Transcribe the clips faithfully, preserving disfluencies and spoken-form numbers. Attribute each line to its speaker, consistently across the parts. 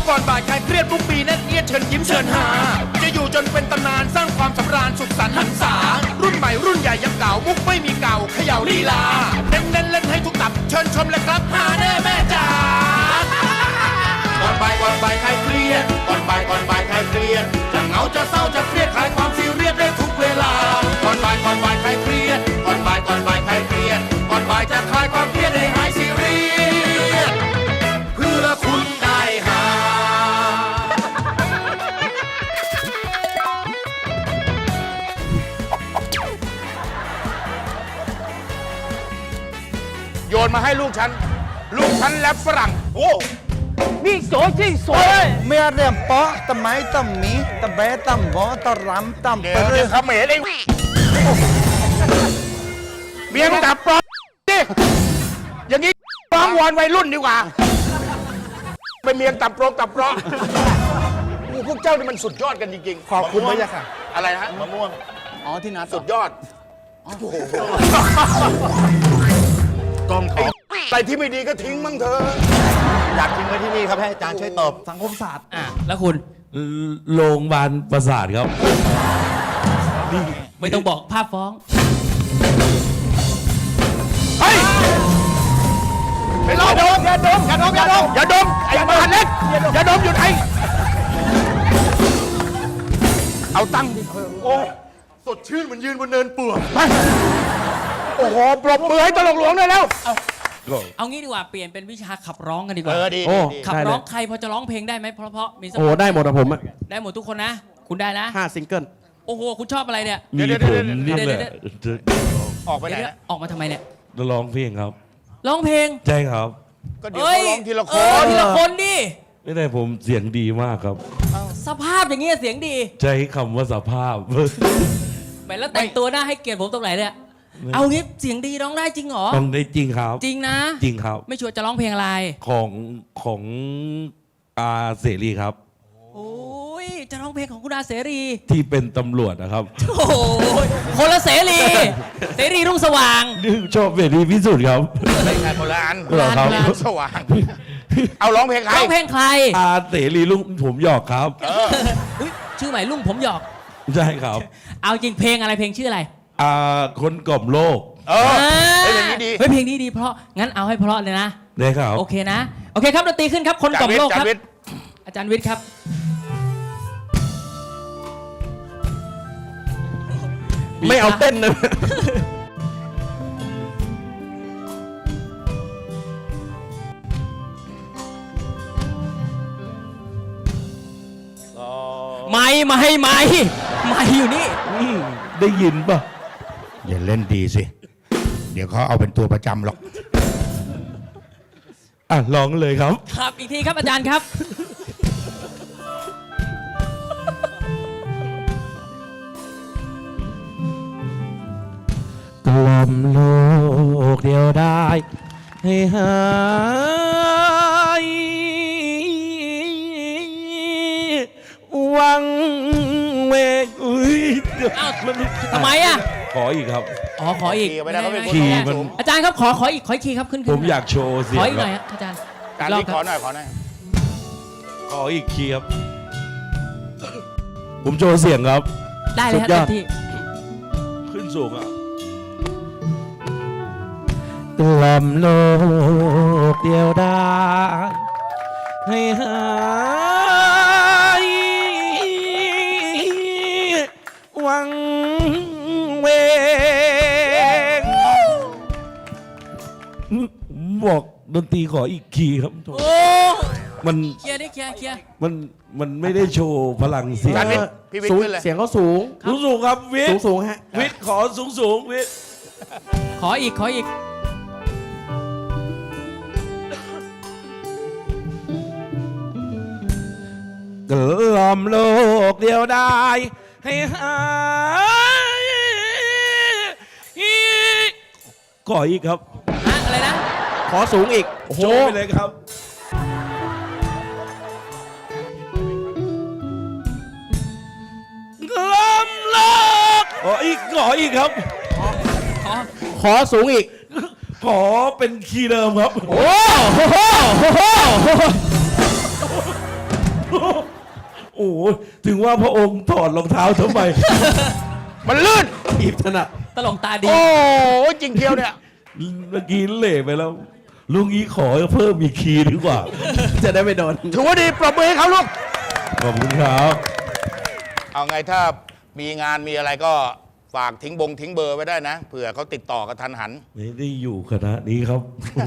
Speaker 1: ก่อนบ่ายคลายเครียดทุกปีแน่นเอียดเชิญยิ้มเชิญหาจะอยู่จนเป็นตำนานสร้างความสำราญสุขสันต์หันษารุ่นใหม่รุ่นใหญ่ยังเก่ามุกไม่มีเก่าเขย่าลีลาเน้นเน้นเล่นให้ทุกตับเชิญชมเลยครับหาแน่แม่จ๋าก่อนบ่ายก่อนบ่ายคลายเครียดก่อนบ่ายก่อนบ่ายคลายเครียดจะเหงาจะเศร้าจะเครียดคลายความซีเรียสได้ทุกเวลาก่อนบ่ายก่อนบ่ายคลายเครียดก่อนบ่ายก่อนบ่ายคลายเครียดก่อนบ่ายจะคลายความเครียดให้หายซีเรียสเพื่อคุณได้หาโยนมาให้ลูกฉันลูกฉันแรปฝรั่งโอ้
Speaker 2: นี่สวยจริงสวย
Speaker 3: เมื่อเรียมปอตะไม้ตะหมีตะแบะตะหมอตะรำตะ
Speaker 1: เดี๋
Speaker 3: เป
Speaker 1: ยว
Speaker 3: รื
Speaker 1: เดี๋
Speaker 3: อ
Speaker 1: ยวเขมรไอ้เมียมึงดับปลอมดิอย่างนี้ร้องวอนวัยรุ่นดีกว่าเป็นเมียงตับโปรงตับเปราะพวกเจ้านี่มันสุดยอดกันจริงๆ
Speaker 3: ขอบคุณพระยะค่ะ
Speaker 1: อะไรฮะมะม่วง
Speaker 3: อ๋อที่นัด
Speaker 1: สุดยอดกองเขาอะไรที่ไม่ดีก็ทิ้งมั่งเถอะอยากทิ้งไว้ที่นี่ครับให้อาจารย์ช่วยตอบ
Speaker 3: สังคมศาสตร์
Speaker 2: อ่ะแล้วคุณ
Speaker 4: โรงพยาบาลประสาทครับ
Speaker 2: ไม่ต้องบอกภาพฟ้อง
Speaker 1: เฮ้ยไปรอดมอย่าดมอย่าดมอย่าดมอย่าดมไอ้บ้านเล็กอย่าดมอยู่ไหนเอาตั้งดิโอ้สดชื่นเหมือนยืนบนเนินเปื่อยโอ้โหปรบมือให้ตลกหลวงเลยแล้ว
Speaker 2: เอางี้ดีกว่าเปลี่ยนเป็นวิชาขับร้องกันดีกว่า
Speaker 1: เออดี
Speaker 4: โอ้
Speaker 2: ขับร้องใครพอจะร้องเพลงได้ไหมเพราะเพราะมีสัก
Speaker 4: โอ้ได้หมดอะผมอะ
Speaker 2: ได้หมดทุกคนนะ คุณได้นะ
Speaker 4: ห้าซิงเกิล
Speaker 2: โอ้โหคุณชอบอะไรเนี่ย
Speaker 4: มีผมนี่แหละ
Speaker 1: ออกไปไหน
Speaker 2: เดี๋ยวๆออกมาทำไมเนี่ย
Speaker 4: ร้องเพลงครับ
Speaker 2: ร้องเพลง
Speaker 4: ใช่ครับ
Speaker 1: ก็เดี๋ยวเขาร้องทีละค
Speaker 2: เออน ทีละคนดิ
Speaker 4: ไม่ได้ผมเสียงดีมากครับ
Speaker 2: สภาพอย่างเงี้ยเสียงดี
Speaker 4: ใช้คำว่าสภาพ
Speaker 2: แหมแล้วแต่งตัวหน้าให้เกียรติผมตรงไหนเนี่ยเอางี้เสียงดีร้องได้จริงเหรอ
Speaker 4: ต้องได้จริงครับ
Speaker 2: จริงนะ
Speaker 4: จริงครับ
Speaker 2: ไม่ชัวร์จะร้องเพลงอะไร
Speaker 4: ของของอาเสรีครับ
Speaker 2: โอ้ยจะร้องเพลงของคุณอาเสรี
Speaker 4: ที่เป็นตำรวจนะครับ
Speaker 2: โอ้โหคนละเสรี เสรีรุ่งสว่าง
Speaker 4: นี่ชอบเสรีพิสุทธิ์ครับ
Speaker 1: ไม่ใช่โบราณ
Speaker 4: เหรอครับ
Speaker 2: โบราณ
Speaker 1: สว่างเอาร้องเพลงใคร
Speaker 2: ร้องเพลงใคร
Speaker 4: อาเสรีลุงผมหยอกครับ
Speaker 2: อุ๊ยชื่อใหม่ลุงผมหยอก
Speaker 4: ใช่ครับ
Speaker 2: เอาจริงเพลงอะไรเพลงชื่ออะไร
Speaker 4: อาคนกล่อมโลก
Speaker 1: เออเฮ้ยอย่างนี้ดี
Speaker 2: เฮ้ยเพลงนี้ดีเพราะงั้นเอาให้เพราะเลยนะ
Speaker 4: ได้ครับ
Speaker 2: โอเคนะ โอเคครับดนตรีขึ้นครับคนกล่อมโลกครับ
Speaker 1: อาจารย์วิทย์
Speaker 2: อาจารย์วิทย์ครับ
Speaker 4: ไม่เอาเต้นนะ
Speaker 2: ไม่ไม่ไม่ไม่อยู่นี่
Speaker 4: อืมได้ยินป่ะ
Speaker 1: อย่าเล่นดีสิ เดี๋ยวเขาเอาเป็นตัวประจำหรอก
Speaker 4: อ่ะลองเลยครับ
Speaker 2: ครับอีกทีครับอาจารย์ครับ
Speaker 4: กล่อมโลกเดียวได้ให้หายวังเวกอุ้ยเดี๋ยว
Speaker 2: อ้าว
Speaker 4: มัน
Speaker 2: ทำไมอ่ะ
Speaker 4: ขออีกครับ
Speaker 2: อ๋อขออีก
Speaker 1: ขี่ไม่ได้เขาเป็นคน
Speaker 4: ขี่
Speaker 1: ร้อง
Speaker 4: มัน
Speaker 1: สูง
Speaker 2: อาจารย์ครับขอขออีกขออีกทีครับขึ้นขึ้น
Speaker 4: ผมอยากโชว์เสีย
Speaker 2: ของ อีก
Speaker 4: ค
Speaker 2: ห
Speaker 4: รั
Speaker 2: น่อย
Speaker 4: บ
Speaker 2: ฮะอาจารย์
Speaker 1: อาจารย์
Speaker 2: รอบ
Speaker 1: วิทย์
Speaker 2: ค
Speaker 1: ขอ
Speaker 2: รับ
Speaker 1: หน่อยขอหน่อย
Speaker 4: ขออีกคีย์ครับ ผมโชว์เสียงครับ
Speaker 2: ได้เลยฮะ
Speaker 4: สุดย
Speaker 2: เต็
Speaker 4: อด
Speaker 2: มที่
Speaker 4: ขึ้นสูงอ่ะกล่อมโลกเดียวได้ให้หายวังเวงบอกดนตรีขออีกคีย์ครับ
Speaker 2: โอ้
Speaker 4: มัน
Speaker 2: เคลียร์ดิเคลียร์เคลียร์
Speaker 4: มันมันไม่ได้โชว์พลังเสียง
Speaker 1: อาจารย์วิทย์พี่วิทย์
Speaker 3: สูง
Speaker 1: ขึ้นเลย
Speaker 3: เสียงเขาสูง
Speaker 4: สูงสูงครับวิท
Speaker 3: สูง
Speaker 4: ย์
Speaker 3: สูงฮะ
Speaker 4: วิทย์ขอสูงสูงวิทย์
Speaker 2: ขออีกขออีก
Speaker 4: กล่อมโลกเดียวได้ให้หายขออีกครับ
Speaker 2: ฮะอะไรนะ
Speaker 3: ขอสูงอีก โอ้โห
Speaker 4: โชว์ไปเลยครับกล่อมโลกขออีกขออีกครับ
Speaker 2: ขอ
Speaker 3: ขอสูงอีก
Speaker 4: ขอเป็นคีย์เดิมครับ
Speaker 3: โอ้โห
Speaker 4: โอ้ยถึงว่าพระองค์ถอดรองเท้าทำไม
Speaker 1: มันลื่น
Speaker 4: อีบถนัด
Speaker 2: ตลกตาดี
Speaker 1: โอ้ยจริงเที่ยวเนี่ย
Speaker 4: เมื่อกี้เละไปแล้ว ลุงนี้ขอเพิ่มอีกคีย์ดีกว่า จะได้ไม่โดน
Speaker 1: ถือว่าดีปรบมือให้เขาลูก
Speaker 4: ขอบคุณครับ
Speaker 1: เอาไงถ้ามีงานมีอะไรก็ฝากทิ้งบงทิ้งเบอร์ไว้ได้นะเผื่อเขาติดต่อกันทันหัน
Speaker 4: ไม่ได้อยู่คณะนี้ครับ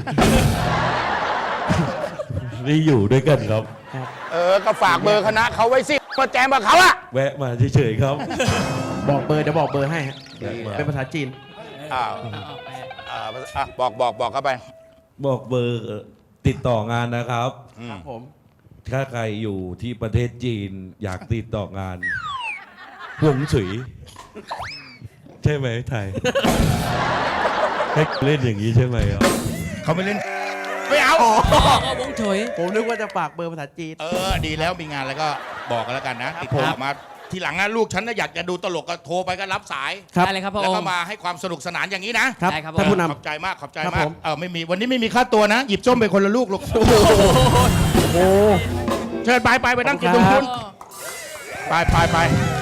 Speaker 4: ได้อยู่ด้วยกันครับ
Speaker 1: เออก็ฝากเบอร์คณะเขาไว้สิมาแจมกับเขาอะ
Speaker 4: แวะมาเฉยๆครับ
Speaker 5: บอกเบอร์เดี๋ยวบอกเบอร์ให้ฮะเป็นภาษาจีน
Speaker 1: อ้าวอ่าอ่ะบอกบอกบอกเข้าไป
Speaker 4: บอกเบอร์ติดต่องานนะครับ
Speaker 5: ครับผม
Speaker 4: ถ้าใครอยู่ที่ประเทศจีนอยากติดต่องานหวงฉุย ใช่ไหมไทย ให้เล่นอย่างนี้ใช่ไหมครับ
Speaker 1: เขาไม่เล่น ไม่เอา
Speaker 2: ก็วงเฉย
Speaker 5: ผมนึกว่าจะฝากเบอร์ภาษาจีน
Speaker 1: เออ ดีแล้วมีงานแล้วก็บอกกันแล้วกันนะ ติดต่อมาทีหลังนะลูกฉันนะอยากจะดูตลกก็โทรไปก็รับสาย
Speaker 5: ครับ
Speaker 2: ได้เลยครับพระ
Speaker 1: แล้
Speaker 2: อ
Speaker 1: ว
Speaker 2: ง
Speaker 1: ก็
Speaker 2: ค์
Speaker 1: มาให้ความสนุกสนานอย่างนี้นะครับ
Speaker 2: ได้ครับ
Speaker 5: ท่านผู้น
Speaker 1: ขอบใจมากขอบใจ
Speaker 5: ครับ
Speaker 1: มาก
Speaker 5: ผม
Speaker 1: เออไม่มีวันนี้ไม่มีค่าตัวนะ หยิบส้มไปคนละลูกลูก
Speaker 5: โอ้
Speaker 1: เชิญไปไปไปนั่งกินตรงนู้นไปไปไป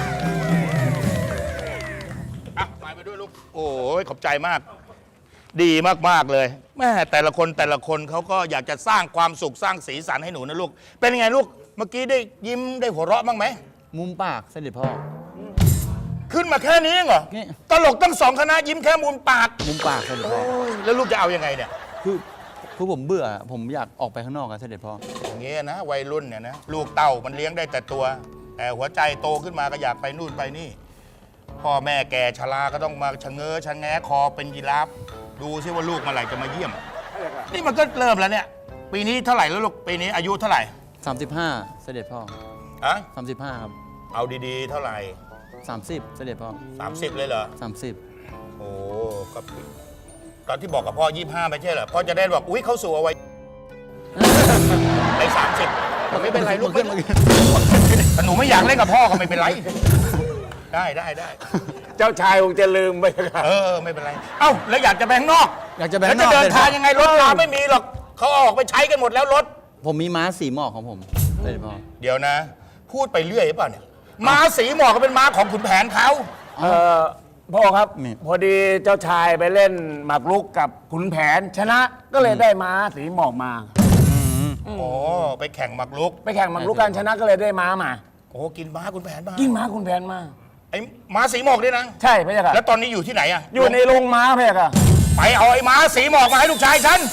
Speaker 1: อ่ะไปไปด้วยลูกโอ้ยขอบใจมาก ดีมากๆเลยแม่แต่ละคนแต่ละคนเขาก็อยากจะสร้างความสุขสร้างสีสันให้หนูนะลูกเป็นไงลูกเมื่อกี้ได้ยิ้มได้หัวเราะบ้างไหม
Speaker 3: มุมปากเสด็จพ่อ
Speaker 1: ขึ้นมาแค่นี้เองเหรอ
Speaker 3: นี่
Speaker 1: ตลกตั้งสองคณะยิ้มแค่มุมปาก
Speaker 3: มุมปากเสด็จพ่อ
Speaker 1: โอ้ยแล้วลูกจะเอายังไงเนี่ย
Speaker 3: คือคือผมเบื่อ ผมอยากออกไปข้างนอกอะเสด็จพ่อ
Speaker 1: อย่างเงี้ยนะวัยรุ่นเนี่ยนะลูกเต้ามันเลี้ยงได้แต่ตัว แต่หัวใจโตขึ้นมาก็อยากไปนู่นไปนี่ พ่อแม่แก่ชราก็ต้องมาชะเง้อชะแงะคอเป็นยีราฟดูซิว่าลูกเมื่อไหร่จะมาเยี่ยม นี่มันก็เริ่มแล้วเนี่ย ปีนี้เท่าไหร่แล้วลูกปีนี้อายุเท่าไหร่
Speaker 3: สามสิบห้า เสด็จพ่อ
Speaker 1: อะ
Speaker 3: สามสิบห้าครับ
Speaker 1: เอาดีๆ เท่าไหร่
Speaker 3: สามสิบ เสด็จพ่อ
Speaker 1: สามสิบเลยเหรอ
Speaker 3: สามสิบ
Speaker 1: โอ้ก็ตอนที่บอกกับพ่อยี่ห้าไม่ใช่เหรอพ่อจะได้บอกอุ้ยเขาสู่เอาไว้ไปสามสิบไม่เป็นไรลูกไม่เป็นไรแต่หนูไม่อยากเล่นกับพ่อก็ไม่เป็นไร ได้ได้ได้
Speaker 6: เจ้าชายคงจะลืมไปครับ
Speaker 1: เออไม่เป็นไร เอ้าแล้วอยากจะไปข้างนอก
Speaker 3: อยากจะไป
Speaker 1: แล้ว
Speaker 3: ข้างน
Speaker 1: จะ
Speaker 3: อก
Speaker 1: เดินทางยังไงรถราไม่มีหรอกเขาเอาออกไปใช้กันหมดแล้วรถ
Speaker 3: ผมมีม้าสีหมอกของผม เสด็จพ่อ
Speaker 1: เดี๋ยวนะ พูดไปเรื่อยหรือเปล่าเนี่ยม้าสีหมอกก็เป็นม้าของขุนแผนเขา
Speaker 6: เออพ่อครับ
Speaker 3: นี่
Speaker 6: พอดีเจ้าชายไปเล่นหมากรุกกับขุนแผน ชนะก็เลยได้ม้าสีหมอกมา
Speaker 1: โอ้ไปแข่งหมากรุก
Speaker 6: ไปแข่งหมากรุกกันชนะก็เลยได้ม้ามา
Speaker 1: โอ้กินม้าขุนแผนมา
Speaker 6: กินม้าขุนแผนมา
Speaker 1: ไอ้ม้าสีหมอกด้วยนะ
Speaker 6: ใช่พระเจ้าค่ะ
Speaker 1: แล้วตอนนี้อยู่ที่ไหนอะ
Speaker 6: อยู่ในโรงม้าพระเจ้าค่ะ
Speaker 1: ไปเอาไอ้ม้าสีหมอกมาให้ลูกชายฉัน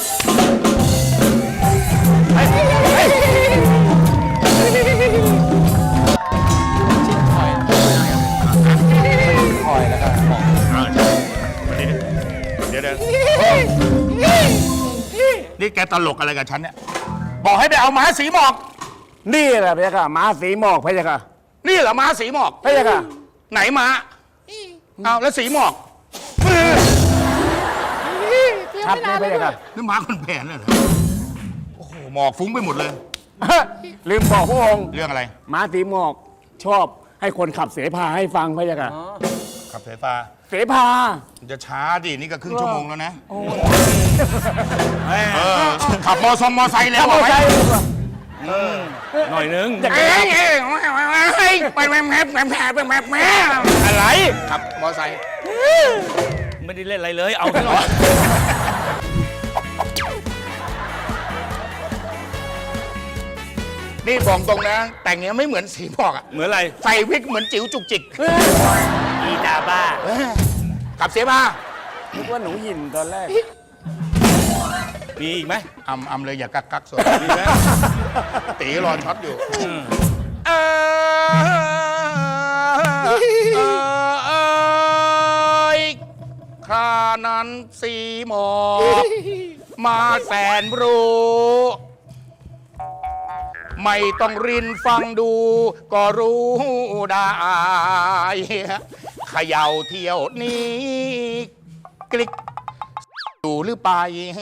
Speaker 1: ไปไป
Speaker 3: คอยแล้วก็หมอก
Speaker 1: เดี๋ยวเดี๋ยวนี่แกตลกอะไรกับฉันเนี่ย บอกให้ไปเอาม้าสีหมอก
Speaker 6: นี่แหละพระเจ้าค่ะม้าสีหมอกพระเจ้าค่ะ
Speaker 1: นี่เหรอม้าสีหมอก
Speaker 6: พระเจ้าค่ะ
Speaker 1: ไหนม้าเอาแล้วสีหมอก
Speaker 6: ชัดไหมพระเจ้าค่ะ
Speaker 1: นี่ม้าคนแผนเลยเหรอโอ้โหหมอกฟุ้งไปหมดเลย
Speaker 6: ลืมบอกพระองค์
Speaker 1: เรื่องอะไร
Speaker 6: ม้าสีหมอกชอบให้คนขับเสพาให้ฟังพระเจ้าค่ะ
Speaker 1: ขับสายฟ้า
Speaker 6: เสพา
Speaker 1: มันจะช้าดินี่ก็ครึ่งชั่วโมงแล้วนะเออขับมอซอมมอไซค์แล้ว
Speaker 6: ขับมอ
Speaker 1: เอาไว้
Speaker 6: ไซค์
Speaker 5: หน่อยนึง
Speaker 6: อยาก
Speaker 1: เอ้
Speaker 6: จะ
Speaker 1: ยเอ้ยเอ้ยไปแม่แม่แม่แม่แม่แม่แม่อะไรขับมอไซค์
Speaker 5: ไม่ได้เล่นอะไรเลย เอาที่หน่อย
Speaker 1: นี่บอกตรงนะ แต่งเนี้ยไม่เหมือนสีบอกอะ
Speaker 5: เหมือนอะไร
Speaker 1: ใส่วิกเหมือนจิ๋วจุกจิก
Speaker 5: อีตาบ้า
Speaker 1: ขับเสียมา
Speaker 6: นึกว่าหนูหยินตอนแรก
Speaker 5: มีอีกไหม
Speaker 1: อำอำเลยอย่ากักกักสดมีไหมตีรอช็อตอยู่เออเออเอยข้านั้นสีหมอกมาแสนรู้ ไม่ต้องรินฟังดู ก็รู้ได้เขย่าเที่ยวนี้กลิกอยู่หรือไป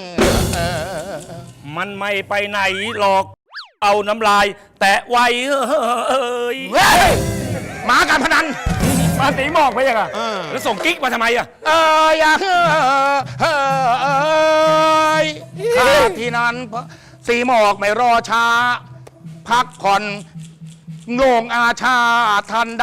Speaker 5: มันไม่ไปไหนหรอก เอาน้ำลาย แตะไว้เอ้ย
Speaker 1: เฮ้ยหมาการพนัน
Speaker 6: ม้าสีหมอกพระเจ้าค่ะ
Speaker 5: แล้วส่งกิ๊กมาทำไมอ่ะ
Speaker 1: เอ้ยอย่าเฮ้อเฮ้อเอ้ยข้าที่นั้นสีหมอกไม่รอช้า พักผ่อนโงงอาชาทันใด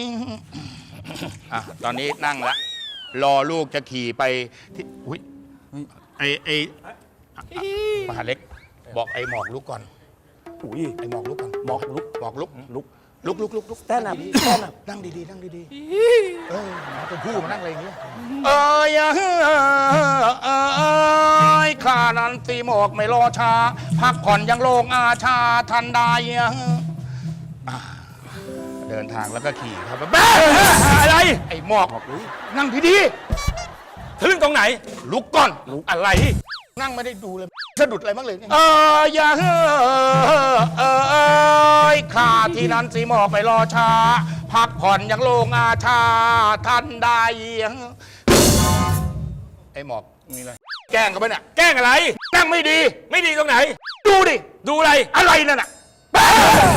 Speaker 1: อ่ะตอนนี้นั่งละรอลูกจะขี่ไปที่อุ้ยไอไอมหาเล็ก บอกไอหมอกลุกก่อน
Speaker 6: อุ้ย
Speaker 1: ไอหมอกลุกก่อน
Speaker 6: หมอกลุก
Speaker 1: หมอกลุกลุกลุกลุกลุกลุก
Speaker 6: แต้นอ่ะแต้นอ่ะ
Speaker 1: นั่งดีๆนั่งดีๆเออมาเป็นผู้มานั่งอะไรอย่างเงี้ยเอ้ยเอ้ยเอ้ยข้านั้นตีหมอกไม่รอช้าพักผ่อนยังโลงอาชาทันใดอ่าเดินทางแล้วก็ขี่ครับแบ๊ะ
Speaker 5: อะไร
Speaker 1: ไอ้หมอกนั่งดี
Speaker 5: ถึงตรงไหน
Speaker 1: ๆลุกก่อน
Speaker 5: อะไร
Speaker 1: นั่งไม่ได้ดูเลยสะดุดอะไรบ้างเลยเนี่ยเอออย่าเฮ้อเออเอ้ยข้าที่นั้นสีหมอกไปรอช้าพักผ่อนยังโลงอาชาทันใดไอ้หมอกมีอะไรแกล้งเขาไปเนี่ย
Speaker 5: แกล้งอะไร
Speaker 1: นั่งไม่ดี
Speaker 5: ไม่ดีตรงไหน
Speaker 1: ดูดิ
Speaker 5: ดูอะไร
Speaker 1: อะไรนั่นน่ะแป๊ะ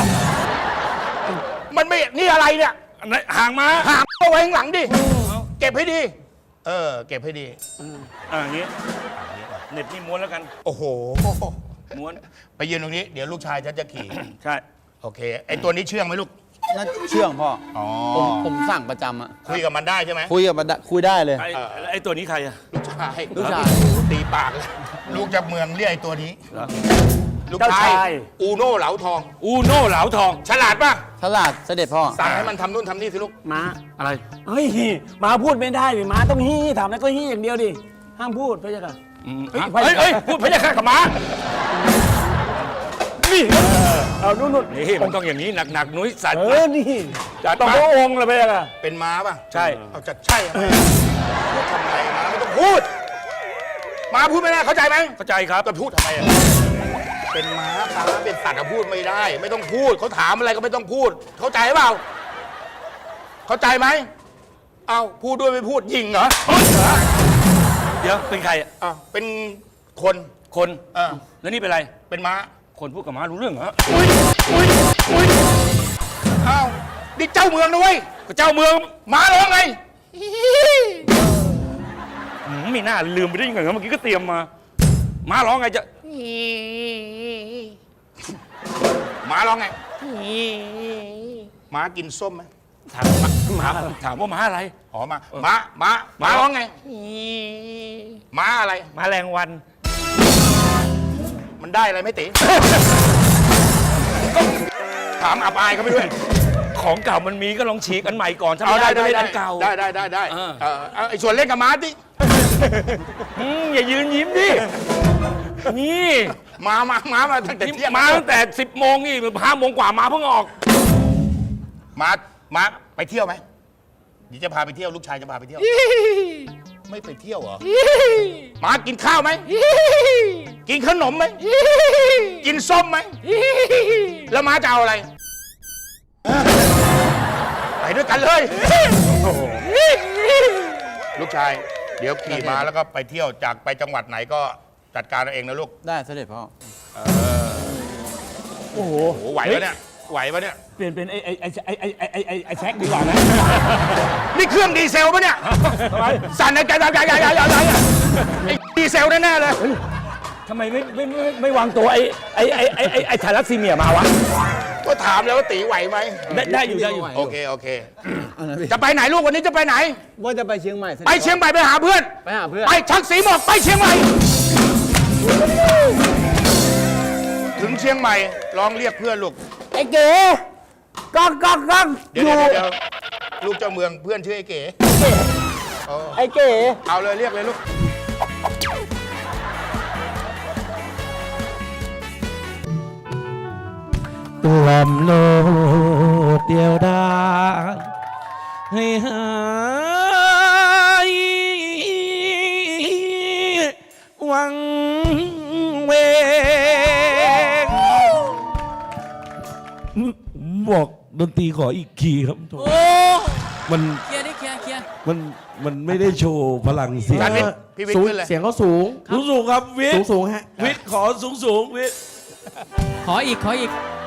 Speaker 1: มันไม่นี่อะไรเนี่ย
Speaker 5: อันไหนห่างมา
Speaker 1: หามเอาไว้ข้างหลังดิเก็บให้ดี เออ เก็บให้ดี
Speaker 5: อ่าอย่างงี้เน็ตนี่ม้วนแล้วกัน
Speaker 1: โอ้โห
Speaker 5: ม้วน
Speaker 1: ไปยืนตรงนี้ เดี๋ยวลูกชายฉันจะขี่
Speaker 5: ใช่
Speaker 1: โอเค ไอตัวนี้เชื่องไหมลูก
Speaker 3: น่าเชื่องพ่อ
Speaker 1: อ๋อ
Speaker 3: ผมผมสั่งประจำอะ
Speaker 1: คุยกับมันได้ใช่ไหม
Speaker 3: คุยกับมันได้คุยได้เลย
Speaker 5: ไอ้ไอ้ตัวนี้ใครอะ
Speaker 1: ลูกชาย
Speaker 3: ลูกชาย
Speaker 1: ตีปากเลยลูกจากเมืองเรียกไอตัวนี้
Speaker 5: เหรอ
Speaker 1: ลูก
Speaker 6: เจ้า
Speaker 1: ชาย
Speaker 6: ชาย
Speaker 1: อูโน่เหลาทอง
Speaker 5: อูโน่เหลาทอง
Speaker 1: ฉลาดป่ะ
Speaker 3: ฉลาดเสด็จพ่อ
Speaker 1: สั่งให้มันทำนู่นทำนี่สิลูก
Speaker 6: ม้า
Speaker 5: อะไร
Speaker 6: เฮ้ยม้าพูดไม่ได้ดิม้าต้องฮี้ถามแล้วก็ฮี้อย่างเดียวดิห้ามพูดพระเจ้าค่ะ
Speaker 5: อืม
Speaker 6: เฮ้ย
Speaker 5: เฮ้ยเฮ้ยพูดพระยาค่ะกับม้า
Speaker 6: นี่เอานู่นนู่น
Speaker 5: นี่มันต้องอย่างนี้หนักๆนุ้ยสัตว์
Speaker 6: เออนี่
Speaker 5: จัด
Speaker 6: ต้อง
Speaker 5: มา
Speaker 6: พระองค์เลยพระเจ้าค่ะ
Speaker 1: เป็นม้าป่ะ
Speaker 5: ใช่
Speaker 1: เอาจะใช่ไหมพูดทำไมม้าไม่ต้องพูดม้าพูดไม่ได้เข้าใจไหม
Speaker 5: เข้าใจครับ
Speaker 1: จะพูดทำไมอะเป็นม้าม้าเป็นสัตว์อะพูดไม่ได้ ไม่ต้องพูดเขาถามอะไรก็ไม่ต้องพูด เข้าใจเปล่า เข้าใจไหมเอาพูดด้วยไม่พูดยิงเหรอ
Speaker 5: เดี๋ยวเป็นใครอะ
Speaker 1: อ้าวเป็นคน
Speaker 5: คน
Speaker 1: เออ
Speaker 5: แล้วนี่เป็นอะไร
Speaker 1: เป็นม้า
Speaker 5: คนพูดกับม้ารู้เรื่องเหรอ
Speaker 1: อุ้ยอุ้ยอุ้ยอ้าวนี่เจ้าเมืองนะเว้ย
Speaker 5: ก็เจ้าเมือง
Speaker 1: ม้าร้องไง
Speaker 5: อืมไม่น่าลืมไปได้ยังไงเมื่อกี้ก็เตรียมมา ม้าร้องไงจะ
Speaker 1: ม้าร้องไงม้ากินส้มไหม
Speaker 5: ถามม้าถามว่าม้าอะไร
Speaker 1: อ๋อมาม้าม้าม้าร้องไงม้าอะไร
Speaker 5: ม้าแรงวัน
Speaker 1: มันได้อะไรไหม่ติ ถามอับอายเขาไปด้วย
Speaker 5: ของเก่ามันมีก็ลองฉีกอันใหม่ก่อนถ้า
Speaker 1: เอา
Speaker 5: ไม่
Speaker 1: ได้
Speaker 5: ได้ก็
Speaker 1: ได้
Speaker 5: เล่นอันเก่า
Speaker 1: ได้ได้ได้ได้
Speaker 5: เออ
Speaker 1: เออเอาไอ้ส่วนเล่นกับม้าดิ
Speaker 5: อืมอย่ายืนยิ้มดิ นี่
Speaker 1: ม้ามาม้ามาตั้งแต่เที่ยง
Speaker 5: มาตั้งแต่สิบโมงนี่ห้าโมงกว่ามาเพิ่งออก
Speaker 1: ม้าม้าไปเที่ยวไหมเดี๋ยวจะพาไปเที่ยวลูกชายจะพาไปเที่ยว ไม่ไปเที่ยวเหรอม้ากินข้าวไหมกินขนมไหมกินส้มไหมแล้วม้าจะเอาอะไรไปด้วยกันเลยลูกชาย เดี๋ยวขี่ม้าแล้วก็ไปเที่ยวจากไปจังหวัดไหนก็จัดการเอาเองนะลูก
Speaker 3: ได้เสด็จพ่อ
Speaker 6: โอ้โห
Speaker 1: โอ้โหไหวปะเนี่ยไหวปะเนี่ย
Speaker 6: เปลี่ยนเป็นไอ้ไอ้ไอ้ไอ้ไอ้ไอ้ไอ้ไอ้ไอ้แช็คดีกว่านะ
Speaker 1: นี่เครื่องดีเซลปะเนี่ยสั่นไอ้ไก่ไก่ไก่ไก่ไก่ไก่ไอ้ดีเซลแน่ๆเลย
Speaker 6: ทำไมไม่ไม่ไม่ไม่วางตัวไอ้ไอ้ไอ้ไอ้ไอ้ไอ้ทารัสซีเมียมาวะ
Speaker 1: ก็ถามแล้วว่าตีไหวไหม
Speaker 6: ได้ได้อยู่ได้อยู่
Speaker 1: โอเคโอเค
Speaker 3: เอานะพี่
Speaker 1: จะไปไหนลูกวันนี้จะไปไหน
Speaker 3: ว่าจะไปเชียงใหม่สด็จ
Speaker 1: ไปเชียงใหม่ไปหาเพื่อน
Speaker 3: ไปหาเพื่อน
Speaker 1: ไปชักสีหมอกไปเชียงใหม่ ถึงเชียงใหม่ลองเรียกเพื่อนลูก
Speaker 6: ไอ้เก๋ก้องก้องก้อง
Speaker 1: เดี๋ยวเดี๋ยวเดี๋ยวลูกเจ้าเมืองเพื่อนชื่อไอ้เก๋เออ
Speaker 6: ไอ้เก๋
Speaker 1: เอาเลยเรียกเลยลูก
Speaker 4: กล่อมโลกเดียวดายให้หายวังเวงบอกดนตรีขออีกคีย์ครับ
Speaker 2: โอ้
Speaker 4: มัน
Speaker 2: เคลียร์ดิเคลียร์เคลียร์
Speaker 4: มันมันไม่ได้โชว์พลังเสียง
Speaker 1: จานวิทย์พี่วิทย์ขึ้นเลย
Speaker 3: เสียงเขาสูง
Speaker 4: สูงสูงครับวิท
Speaker 3: สูง
Speaker 4: ย์
Speaker 3: สูงฮะ
Speaker 4: วิทย์ขอสูงสูงวิทย์
Speaker 2: ขออีกขออีก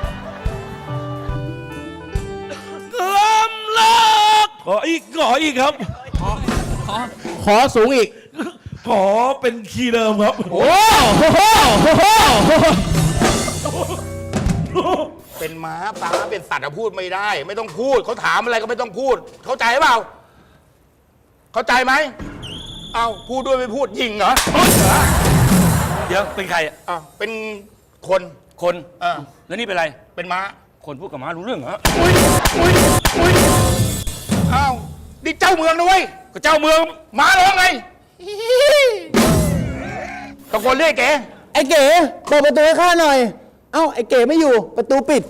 Speaker 4: กล่อมโลกขออีกขออีกครับ
Speaker 2: ขอ
Speaker 3: ขอสูงอีก
Speaker 4: ขอเป็นคีย์เดิมครับ
Speaker 3: โอ้โห
Speaker 1: เป็นม้าป้าเป็นสัตว์อะพูดไม่ได้ ไม่ต้องพูดเขาถามอะไรก็ไม่ต้องพูด เข้าใจเปล่า เข้าใจไหมเอ้าพูดด้วยไม่พูดยิงเหรอ
Speaker 5: เดี๋ยวเป็นใครอะ
Speaker 1: อ้าวเป็นคน
Speaker 5: คน
Speaker 1: เออ
Speaker 5: แล้วนี่เป็นอะไร
Speaker 1: เป็นม้า
Speaker 5: คนพูดกับม้ารู้เรื่องเหรอ
Speaker 1: อุ้ยอุ้ยอุ้ยอ้าวนี่เจ้าเมืองนะเว้ย
Speaker 5: ก็เจ้าเมือง
Speaker 1: ม้าร้องไงตะโกนเรียกแก
Speaker 3: ไอ้เก๋เปิดประตูให้ข้าหน่อย เอ้าไอ้เก๋ไม่อยู่ประตูปิด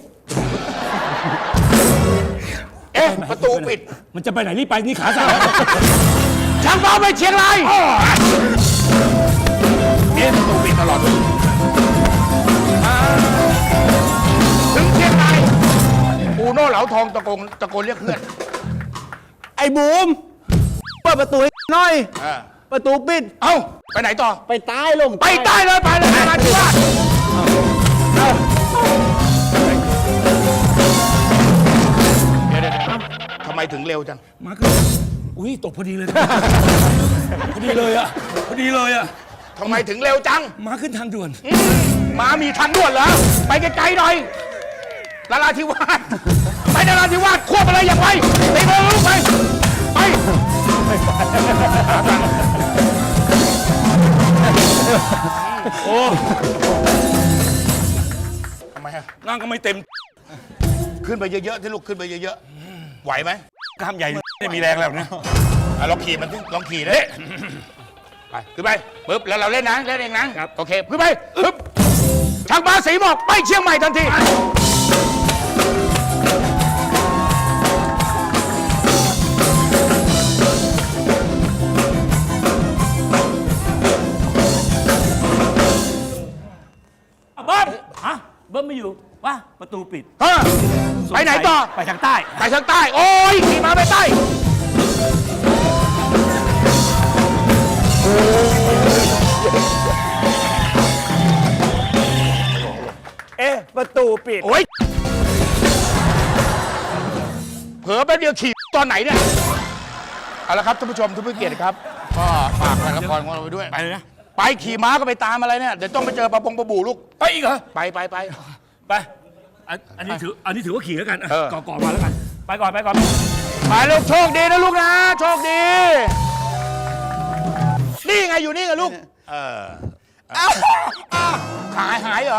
Speaker 1: เอ๊ะประตูปิด
Speaker 5: มันจะไปไหนรีบไปนี่ขาสั่น
Speaker 1: ช่างเฝ้าไปเชียงรายเอ๊ะประตูปิดตลอดเลยอ่าถึงเชียงรายอูโน่เหลาทองตะโกนตะโกนเรียกเพื่อน
Speaker 3: ไอ้บูมเปิดประตูให้หน่อย
Speaker 1: อ่า
Speaker 3: ประตูปิด
Speaker 1: เอ้าไปไหนต่อ
Speaker 3: ไปใต้ลง
Speaker 1: ไปใต้เลยไปเลยนราธิวาสเดี๋ยวเดี๋ยวเดี๋ยวทำไมถึงเร็วจัง
Speaker 5: ม้าขึ้นอุ้ยตกพอดีเลย พอดีเลยอะพอดีเลยอะ
Speaker 1: ทำไมถึงเร็วจัง
Speaker 5: ม้าขึ้นทางด่วน
Speaker 1: มามีทางด่วนเหรอ ไปไกลๆหน่อยนราธิวาสไปนราธิวาสควบอะไรอย่างไรไปเมืองลูกไป ไป
Speaker 5: โอ้
Speaker 1: ทำไมฮะ
Speaker 5: นั่งก็ไม่เต็ม
Speaker 1: ขึ้นไปเยอะๆที่ลูกขึ้นไปเยอะๆ ไหวไหม
Speaker 5: กล้ามใหญ่ไม่มีแรงแล้วนะ
Speaker 1: อ่ะลองขี่มันสิลองขี่เลยไปขึ้นไปปึ๊บแล้วเราเล่นนะเล่นเองนะโอเคขึ้นไปปึ๊บทางมาสีหมอกไปเชียงใหม่ทันที
Speaker 5: เบิ้มฮะเบิ้มไม่อยู่ว่าประตูปิด
Speaker 1: ฮะไปไหนต่อ
Speaker 5: ไปทางใต้
Speaker 1: ไปทางใต้ โอ้ยขี่มาไปใต้
Speaker 6: เอ๊ะประตูปิด
Speaker 1: โอ้ยเผลอแป๊บเดียวขี่ตอนไหนเนี่ย เอาละครับท่านผู้ชมทุกผู้เกียรติครับ ก็ฝากละครของเราไปด้วย
Speaker 5: ไปเลยนะ
Speaker 1: ไปขี่ม้าก็ไปตามอะไรเนี่ย เดี๋ยวต้องไปเจอปลาปงปลาบูลูก
Speaker 5: ไปอีกเหรอ
Speaker 1: ไปไปไป
Speaker 5: ไป อันอันนี้ถือ อันนี้ถือว่าขี่แล้วกัน
Speaker 1: เออ
Speaker 5: ก่อนก่อนมาแล้วกัน ไปก่อน ไปก่อน
Speaker 1: ไปลูกโชคดีนะลูกนะ โชคดี นี่ไงอยู่นี่ไงลูก เอออ้าวอ้าวหายหายเหรอ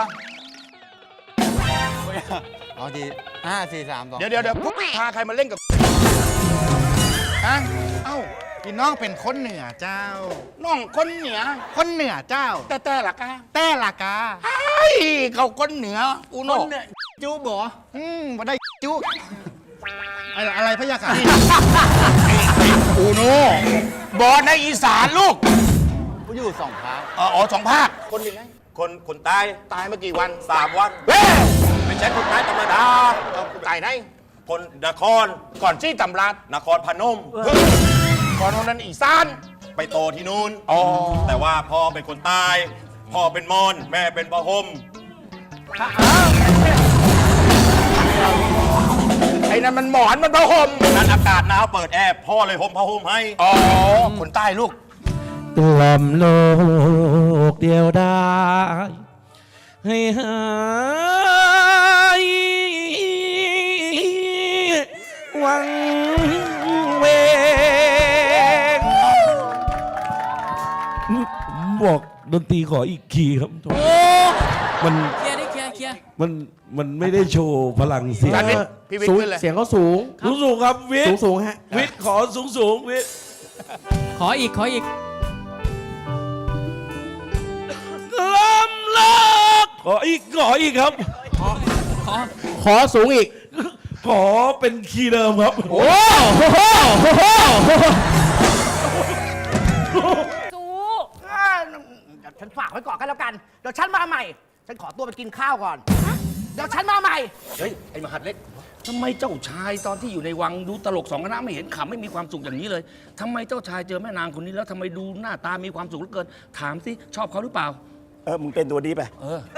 Speaker 3: เอาทีห้าสี่สามสอง
Speaker 1: เดี๋ยวเดี๋ยวเดี๋ยวพวกพาใครมาเล่นกับฮะเอ้า
Speaker 7: พี่น้องเป็นคนเหนือเจ้า
Speaker 1: น้องคนเหนือ
Speaker 7: คนเหนือเจ้า
Speaker 1: แต่แต่ละกา
Speaker 7: แต่ละกา
Speaker 1: ไอ้เขาคนเหนืออูโน่
Speaker 7: จูบออืมมาได้จูอะไรอะไรพะยะค่ะ
Speaker 1: อูโน่บอลในอีสานลูก
Speaker 3: กูอยู่สองพาร์ท
Speaker 1: เอออ๋อสองภาค คนยังไง
Speaker 8: คนคนตาย
Speaker 1: ตายมากี่วัน
Speaker 8: สามวัน
Speaker 1: เฮ้ย
Speaker 8: ไม่ใช่คนตายธรรมดา
Speaker 1: เอาตายไหน
Speaker 8: คนนคร
Speaker 1: ก่อนที่ตำราด
Speaker 8: นครพนม
Speaker 1: ก่อนนั้นอีสาน
Speaker 8: ไปโตที่นู่น
Speaker 1: อ๋อ
Speaker 8: แต่ว่าพ่อเป็นคนใตาย พ่อเป็นมอน แม่เป็นพะฮม
Speaker 1: ไอ้นั่นมันหมอนมันผ้าห่ม
Speaker 8: นั้นอากาศหนาวเปิดแอร์พ่อเลยห่มผ้าห่มให้
Speaker 1: อ๋อ คนใต้ลูก
Speaker 4: กล่อมโลกเดียวได้ ให้หายวังเวงบอกดนตรีขออีกคีย์ครับ
Speaker 2: โอ้
Speaker 4: มัน
Speaker 2: เคลียร์ดิเคลียร์เคลียร์
Speaker 4: มันมันไม่ได้โชว์พลังเสียง
Speaker 1: จานวิทย์พี่วิทย์
Speaker 3: สูง
Speaker 1: ขึ้นเลย
Speaker 3: เสียงเขาสูง
Speaker 4: สูงสูงครับวิท
Speaker 3: สูง
Speaker 4: ย์
Speaker 3: สูงฮะ
Speaker 4: วิทย์ขอสูงสูงวิทย์
Speaker 2: ขออีก ขออีก
Speaker 4: กล่อมโลกขออีกขออีกครับ
Speaker 2: ขอ
Speaker 3: ขอสูงอีก
Speaker 4: ขอเป็นคีย์เดิมครับ
Speaker 3: โอ้โห
Speaker 9: จูอ่าเดี๋ยวฉันฝากไว้ก่อนกันแล้วกัน เดี๋ยวฉันมาใหม่ ฉันขอตัวไปกินข้าวก่อน เดี๋ยวฉันมาใหม่
Speaker 5: เฮ้ย ไอ้มหัดเล็กทำไมเจ้าชายตอนที่อยู่ในวังดูตลกสองคณะไม่เห็นขำไม่มีความสุขอย่างนี้เลยทำไมเจ้าชายเจอแม่นางคนนี้แล้วทำไมดูหน้าตามีความสุขเหลือเกิน ถามสิชอบเขาหรือเปล่า
Speaker 6: เออ มึงเป็นตัวดีไป
Speaker 5: เออ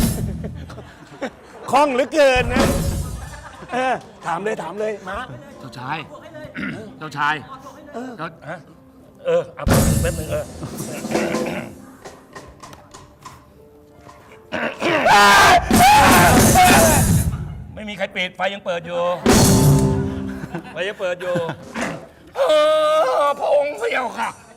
Speaker 6: คล่องเหลือเกินนะ เออ ถามเลยถามเลยมา
Speaker 5: เจ้าชาย เจ้าชายเจ้าฮะเออเอาแป๊บนึงเออ
Speaker 6: เ
Speaker 5: มีใครปิดไฟยังเปิดอยู่ไฟยังเปิดอยู่เออพระองค์พระเจ้าค่ะ